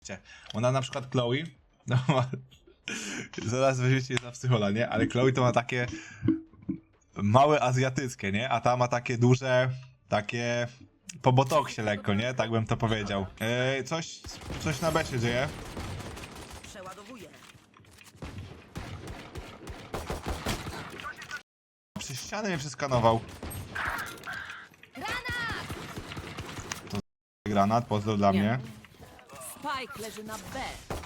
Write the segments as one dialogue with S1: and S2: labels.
S1: Ona na przykład Chloe, no zaraz weźmiecie za psychola, nie? Ale Chloe to ma takie małe azjatyckie, nie? A ta ma takie duże, takie po botoksie lekko, nie? Tak bym to powiedział. Coś na B się dzieje.
S2: Przeładowuję.
S1: Przez ścianę mnie przeskanował. To granat, pozdro dla mnie.
S2: Spike leży na B.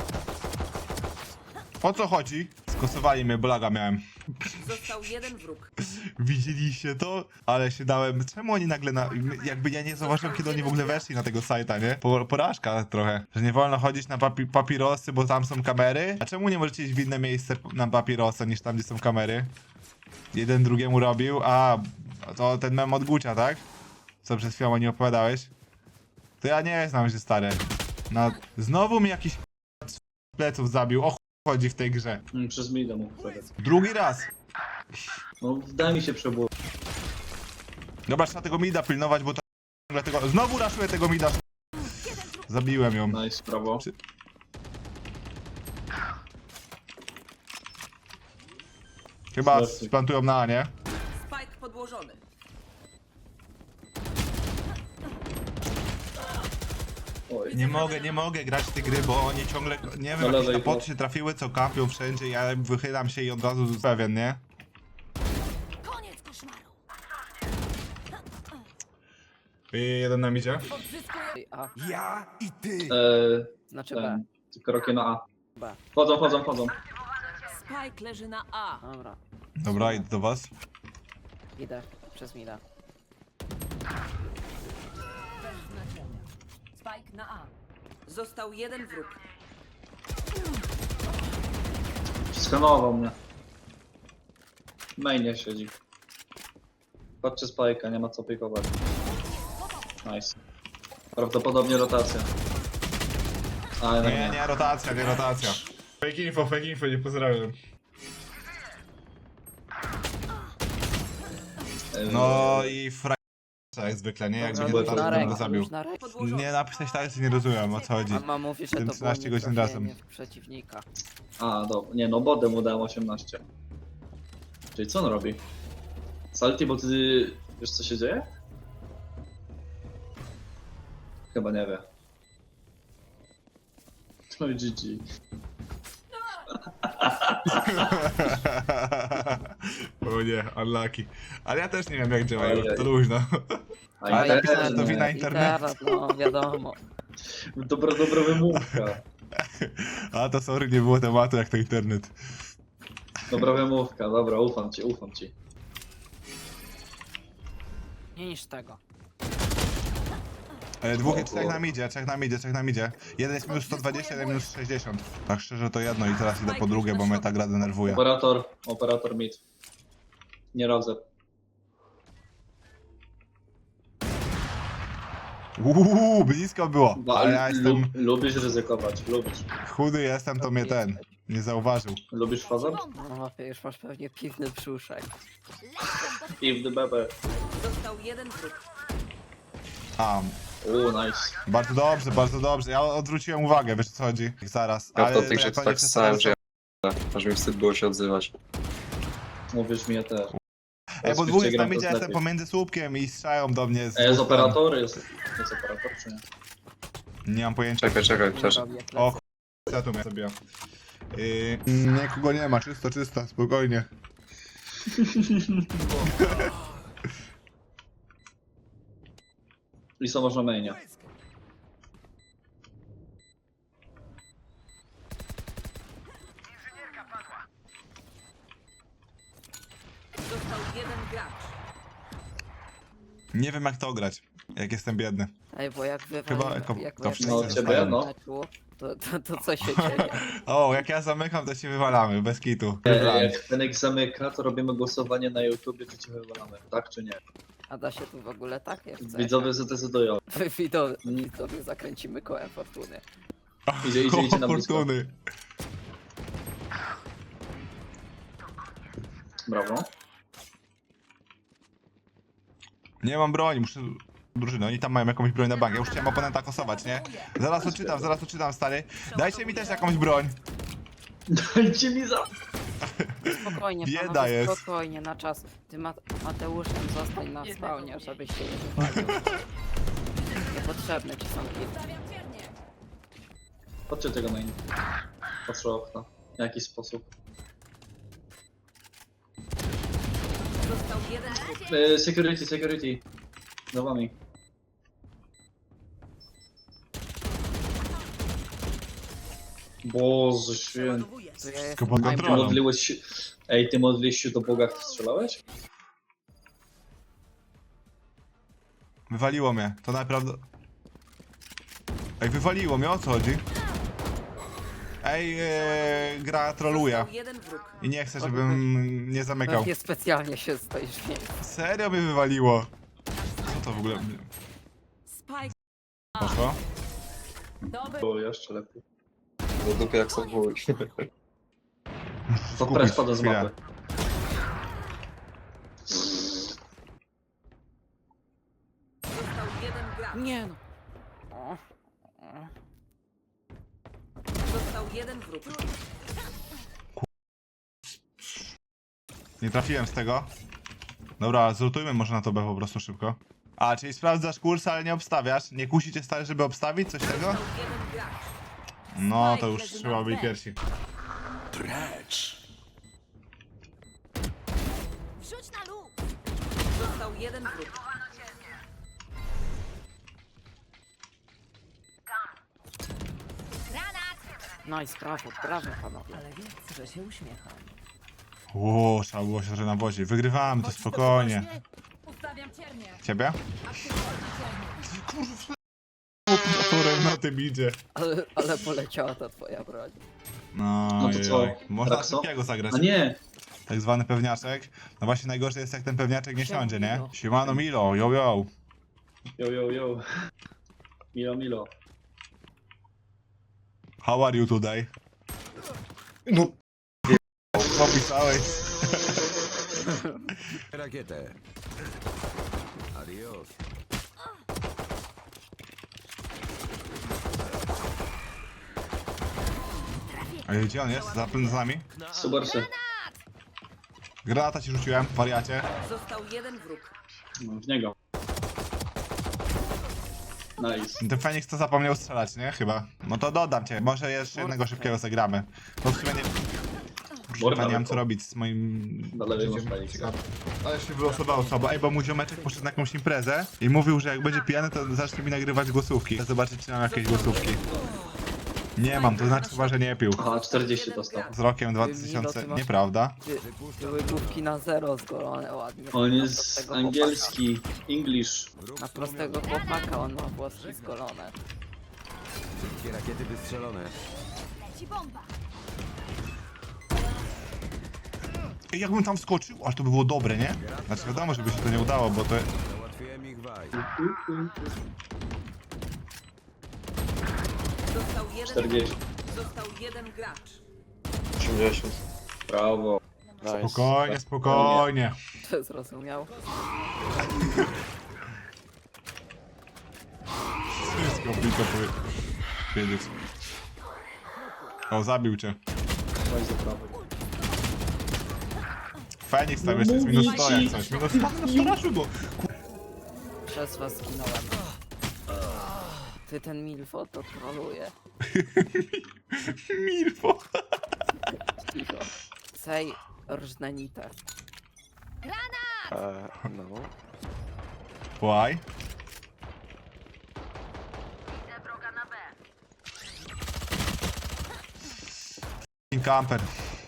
S1: O co chodzi? Skosowali mnie, bolaga miałem.
S2: Został jeden wróg.
S1: Widzieliście to? Ale się dałem. Czemu oni nagle jakby ja nie zauważyłem, kiedy oni w ogóle weszli na tego sajta, nie? Porażka trochę. Że nie wolno chodzić na papirosy, bo tam są kamery. A czemu nie możecie iść w inne miejsce na papierosa niż tam, gdzie są kamery? Jeden drugiemu robił. A, to ten mem od Gucia, tak? Co przed chwilą oni opowiadałeś? To ja nie znam się, stary. Znowu mi jakiś pleców zabił. O chuj chodzi w tej grze.
S3: Przez mida mógł przegrać.
S1: Drugi raz.
S3: No daj mi się przebudować.
S1: Dobra, trzeba tego mida pilnować, bo to dlatego. Znowu raszuję tego mida. Zabiłem ją.
S3: Nice, brawo.
S1: Chyba
S3: Merci.
S1: splantują na A, nie?
S2: Spike podłożony.
S3: Oj.
S1: Nie mogę grać w te gry, bo oni ciągle, nie wiem,
S3: No
S1: jakieś
S3: lewej,
S1: napoty
S3: no.
S1: się trafiły, co kapią wszędzie, ja wychylam się i od razu pewien, nie?
S2: Koniec koszmaru.
S1: Jeden nam idzie.
S2: Odzyskuję.
S4: A,
S5: Ja i ty.
S4: znaczy B.
S3: Ten, tylko rokie na A.
S4: B.
S3: Chodzą.
S2: Spike leży na A.
S4: Dobra.
S1: Dobra, idę do was.
S4: Idę. Przez mida.
S2: Spike na A. Został jeden wróg.
S3: Skanował mnie. Mainie siedzi. Patrzcie spajka, nie ma co pikować. Nice. Prawdopodobnie rotacja. Ale no
S1: Nie, rotacja, nie rotacja. Fake info, nie pozdrawiam. No i jak zwykle, nie? Jakby nie
S3: Dobra,
S1: rotacja,
S3: na
S1: to bym go zabił.
S4: już na rękę.
S2: Podłożony.
S1: Nie napisać tak, nie rozumiem, o co chodzi.
S4: A ma mówi, że
S1: Ten
S4: to
S1: 13
S4: było
S1: godzin
S4: nietrafienie
S1: razem.
S4: w przeciwnika.
S3: A, dobra. Nie no, bodem mu dałem 18. Czyli co on robi? Salty, bo ty wiesz co się dzieje? Chyba nie wie. No i GG.
S1: O nie, unlucky. Ale ja też nie wiem jak działają,
S3: Ojej.
S1: to luźno.
S3: A
S1: Ale
S3: internet,
S1: napisałem, że to wina internetu.
S4: No wiadomo.
S3: Dobra wymówka.
S1: A to sorry, nie było tematu jak to internet.
S3: Dobra wymówka, dobra, ufam ci.
S4: Nie niż tego.
S1: Trzech nam idzie. Jeden jest minus 120, jeden minus 60. Tak szczerze to jedno i teraz idę po drugie, bo mnie ta gra denerwuje.
S3: Operator mid. Nie rodzę.
S1: Blisko było, ale ja jestem
S3: Lubisz ryzykować, lubisz.
S1: chudy jestem, to mnie nie zauważył.
S3: Lubisz fazor?
S4: No już masz pewnie piwny brzuszek.
S3: I w DBB.
S2: Został jeden wróg.
S3: Nice.
S1: Bardzo dobrze. Ja odwróciłem uwagę, wiesz o co chodzi? Zaraz,
S6: Ja
S1: ale
S6: po tych
S1: jak
S6: rzeczy
S1: oni
S6: tak
S1: przez
S6: stałem,
S1: teraz-
S6: że ja... Aż mi wstyd było się odzywać.
S3: Mówisz mi ja też.
S1: Ej, bo dwóch jest
S3: gram
S1: tam idzie,
S3: to
S1: jestem
S3: lepiej.
S1: pomiędzy słupkiem i strzelają do mnie z
S3: Jest
S1: dwóch stron.
S3: operator? Jest operator czy nie?
S1: Nie mam pojęcia.
S6: Czekaj, przepraszam.
S4: Robię
S1: O
S4: plecy.
S1: ja tu mnie zabiję. Nikogo nie ma, czysto, spokojnie.
S3: I co można mainie?
S2: Został jeden gracz.
S1: Nie wiem jak to grać, jak jestem biedny.
S4: Ej, bo jak
S1: Chyba
S4: jak
S1: to wszyscy
S3: No,
S4: wy-
S3: ciebie,
S4: w
S3: no.
S4: meczu, to co się dzieje?
S1: O, jak ja zamykam, to się wywalamy, bez kitu.
S3: Jak Fenek zamyka, to robimy głosowanie na YouTubie, czy cię wywalamy, tak czy nie?
S4: A da się tu w ogóle tak jeszcze?
S3: Widzowie zdecydują.
S4: Widzowie zakręcimy kołem fortuny.
S3: Idzie na blisko.
S1: Fortuny.
S3: Brawo.
S1: Nie mam broni, muszę drużyny, oni tam mają jakąś broń na bank. Ja już chciałem oponenta kosować, nie? Zaraz odczytam, stary. Dajcie mi też jakąś broń.
S3: Dajcie mi za...
S4: Spokojnie,
S1: Bieda
S4: panowie,
S1: jest.
S4: spokojnie, na czas. Ty Mateuszem zostań na spawnie, żebyś się nie wypalił. Niepotrzebne ci są kilki.
S3: Chodźcie tego main. Patrzę okna. W jaki sposób.
S2: Został jeden wróg.
S3: Security. Za wami. Boże święty.
S4: To ja
S1: Wszystko
S4: jestem
S1: pod
S3: Ty
S1: kontrolą.
S3: modliłeś się... Ej, ty modliłeś się do Boga, jak strzelałeś?
S1: Wywaliło mnie, to naprawdę... Ej, wywaliło mnie, o co chodzi? Ej, gra troluje.
S2: Został jeden wróg.
S1: I nie chcę, żebym nie zamykał.
S4: Pewnie specjalnie się stoisz w miejscu.
S1: Serio mnie wywaliło. Co to w ogóle
S2: Spike.
S1: poszło?
S3: Było jeszcze lepiej.
S6: Do dupy jak są wój.
S3: To press pada z
S1: chwilę.
S3: mapy.
S2: Został jeden gracz.
S4: Nie no. O,
S2: Został jeden wróg.
S1: Nie trafiłem z tego. Dobra, zlutujmy może na to B po prostu szybko. A, czyli sprawdzasz kurs, ale nie obstawiasz? Nie kusi cię stary, żeby obstawić coś tego?
S2: Został jeden gracz.
S1: No, to już trzeba byli pierwsi.
S2: Wrzuć na lód. Został jeden wróg.
S4: nice, brawo panowie.
S2: Ale wiedz, że się uśmiecham.
S1: Ło, trzeba było się trochę nawozić. Wygrywamy, to spokojnie.
S2: Ustawiam ciernię.
S1: Ciebie? Kurwa, na tym idzie.
S4: Ale poleciała ta twoja broń.
S1: No,
S3: No to co?
S1: Można
S3: Rakso?
S1: szybkiego zagrać.
S3: A nie!
S1: Tak zwany pewniaczek. No właśnie najgorsze jest jak ten pewniaczek nie siądzie, nie? Siemano Milo, yo yo.
S3: Yo. Milo.
S1: How are you today?
S6: No,
S1: Popisałeś.
S5: Rakietę. Adios.
S1: Ej, gdzie on jest? Za nami?
S3: Subarsy.
S1: Granata ci rzuciłem, wariacie.
S2: Został jeden wróg.
S3: No, w niego. Nice.
S1: Ten Feniks to zapomniał strzelać, nie? Chyba. No to dodam cię, może jeszcze jednego szybkiego zagramy. To w sumie nie... Chyba nie mam co robić z moim...
S3: Do lewej masz
S1: życiem.
S3: Feniksa.
S1: Ciekawe. Ale się wylosowało słabo. Ej, bo mój ziomeczek poszedł na jakąś imprezę i mówił, że jak będzie pijany, to zacznie mi nagrywać głosówki. Chcę zobaczyć, czy mam jakieś głosówki. Nie mam, to znaczy chyba, że nie pił.
S3: Aha, 40 dostał.
S1: Z rokiem 2000... Nieprawda.
S4: Były główki na zero zgolone ładnie.
S3: On
S4: Na
S3: jest
S4: prostego
S3: angielski, English.
S4: chłopaka. Na prostego chłopaka on ma włoski zgolone.
S5: Wszystkie rakiety wystrzelone.
S1: Ej, jakbym tam wskoczył, aż to by było dobre, nie? Znaczy wiadomo, żeby się to nie udało, bo to...
S5: Załatwiłem ich waj.
S2: Został jeden
S3: 40.
S2: wróg. Został jeden gracz.
S6: 80.
S3: Brawo.
S1: Spokojnie, spokojnie.
S4: To zrozumiał.
S1: Wszystko blisko powiedzieć. O, zabił cię.
S3: Weź za prawo.
S1: Feniks tam jeszcze jest minus 100 jak
S3: Mówię
S1: coś.
S3: ci.
S1: Minus 100 raszu go.
S4: Przez was zginąłem. Ty ten Milfo to troluje.
S1: Milfo.
S4: Cicho. Sej rżnenite.
S6: No.
S1: Why? Camper.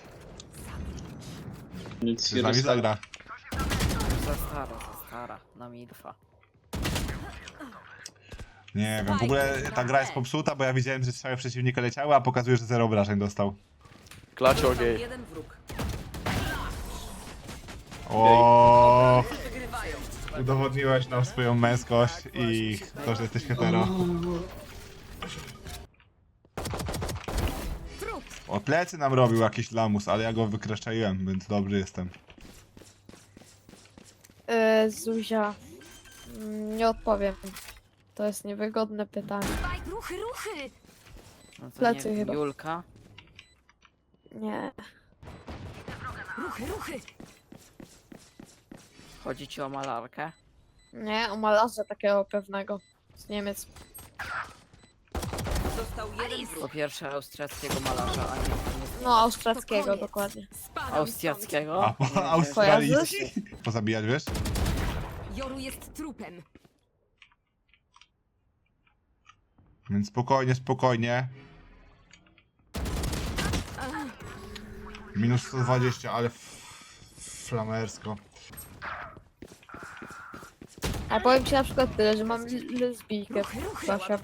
S3: Nic
S1: Czy z nami
S3: się
S1: zagra?
S4: Za stara, na Milfa.
S1: Nie wiem, w ogóle ta gra jest popsuta, bo ja widziałem, że strzały przeciwnika leciały, a pokazuje, że 0 obrażeń dostał.
S2: Został jeden wróg.
S1: O,
S2: Wygrywają.
S1: udowodniłeś nam swoją męskość i to, że jesteś hetero. O, plecy nam robił jakiś lamus, ale ja go wykreszczaiłem, więc dobry jestem.
S7: Zuzia. Nie odpowiem. To jest niewygodne pytanie.
S2: Spike, ruchy, ruchy!
S4: No to
S7: Plecy
S4: nie wiem,
S7: chyba.
S4: Julka.
S7: Nie.
S2: Ruchy, ruchy!
S4: Chodzi ci o malarkę?
S7: Nie, o malarza takiego pewnego. Z Niemiec.
S2: Został jeden
S4: Po
S2: wróg.
S4: pierwsze austriackiego malarza, a nie
S7: No, austriackiego
S2: koniec.
S7: dokładnie.
S2: Spadam
S4: austriackiego.
S1: A
S4: Nie wiem,
S1: australijski? Pozabijać, wiesz?
S2: stąd. Joru jest trupem.
S1: Więc spokojnie, spokojnie. Minus 120, ale flamersko.
S7: Ale powiem ci na przykład tyle, że mam lesbijkę
S2: Ruchy, ruchy!
S7: w klasie.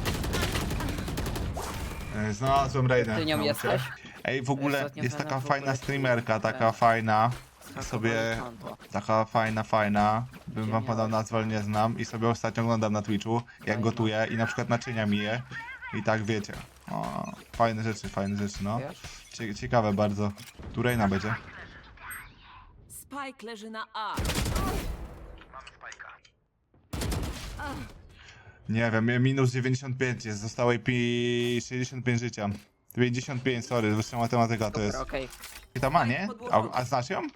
S1: Znalazłem Rainę.
S4: Ty nią jesteś?
S1: Ej, w ogóle
S4: Ostatnio
S1: jest
S4: ten
S1: taka
S4: w ogóle
S1: fajna
S4: ci-
S1: streamerka, taka
S4: ten-
S1: fajna.
S4: Skakowali
S1: Sobie
S4: konto.
S1: taka fajna. Bym wam podał nazwę, ale nie znam. I sobie ostatnio oglądam na Twitchu, jak
S4: Fajna.
S1: gotuję i na przykład naczynia myję. I tak wiecie. O, fajne rzeczy, no.
S4: Wiesz?
S1: Ciekawe bardzo. Tu Reina będzie.
S2: Spike leży na A.
S1: Nie wiem, minus 95 jest, zostało jej 65 życia. 55, sorry, wyższa matematyka to jest.
S4: Dobra, okej.
S1: I ta ma, nie? A znasz ją?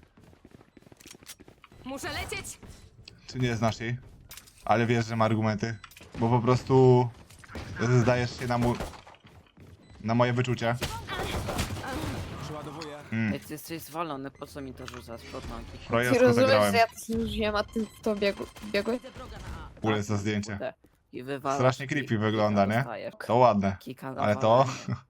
S2: Muszę lecieć!
S1: Czy nie znasz jej? Ale wiesz, że ma argumenty. Bo po prostu zdajesz się na moje wyczucie.
S5: Przeładowuję.
S4: Ej, ty jesteś zwalony, po co mi to rzucasz pod nogi?
S7: Ty
S1: Projekt
S7: rozumiesz,
S1: zagrałem.
S7: że ja to zużyłem, a ty w to biegły?
S2: Widzę wroga na A.
S1: W ogóle jest to zdjęcie.
S4: Kurde. I wywalasz
S1: Strasznie
S4: i-
S1: creepy
S4: i
S1: wygląda,
S4: kika
S1: nie?
S4: dostajesz.
S1: To ładne.
S4: Kika
S1: Ale to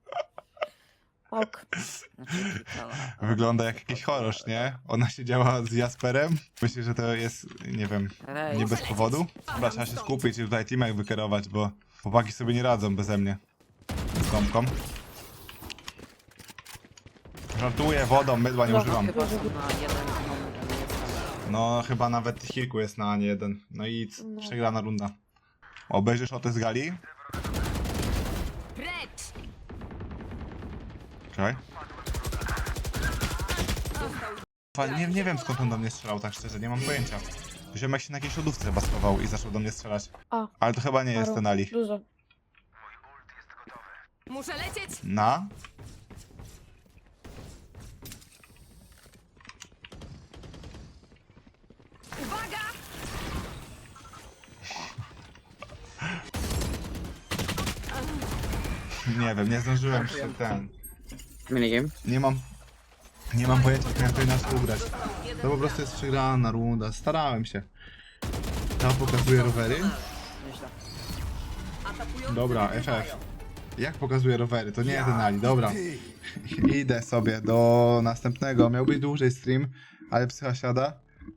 S7: Ok.
S4: Znaczy, kika, no.
S1: wygląda jak jakiś horror, nie? Ona siedziała z Jasperem. Myślę, że to jest, nie wiem,
S4: Ej,
S1: nie bez powodu. Dobra, trzeba się skupić i tutaj teamek wykierować, bo chłopaki sobie nie radzą beze mnie. Z gąbką. Żartuję, wodą, mydła nie używam.
S4: chyba są na jeden numer, a nie jestem.
S1: No, chyba nawet tych kilku jest na nie jeden. No i przegrana runda. Obejrzysz o te z gali?
S2: Precz!
S1: Czekaj. Nie wiem skąd on do mnie strzelał, tak szczerze, nie mam pojęcia. Ziomek się na jakiejś lodówce chyba schował i zaczął do mnie strzelać.
S7: A.
S1: Ale to chyba nie jest
S7: Paru.
S1: ten Ali.
S7: Dużo.
S2: Muszę lecieć!
S1: Na?
S2: Uwaga!
S1: Nie wiem, nie zdążyłem się ten...
S4: Minigame?
S1: Nie mam pojęcia, jak miałem to inaczej ubrać. To po prostu jest przegrana runda, starałem się. Tam pokazuje rowery.
S4: Nieźle.
S2: Atakujący
S1: Dobra,
S2: wygrywają.
S1: FF. Jak pokazuje rowery? To nie jeden Ali, dobra. Idę sobie do następnego. Miał być dłużej stream, ale psycha siada.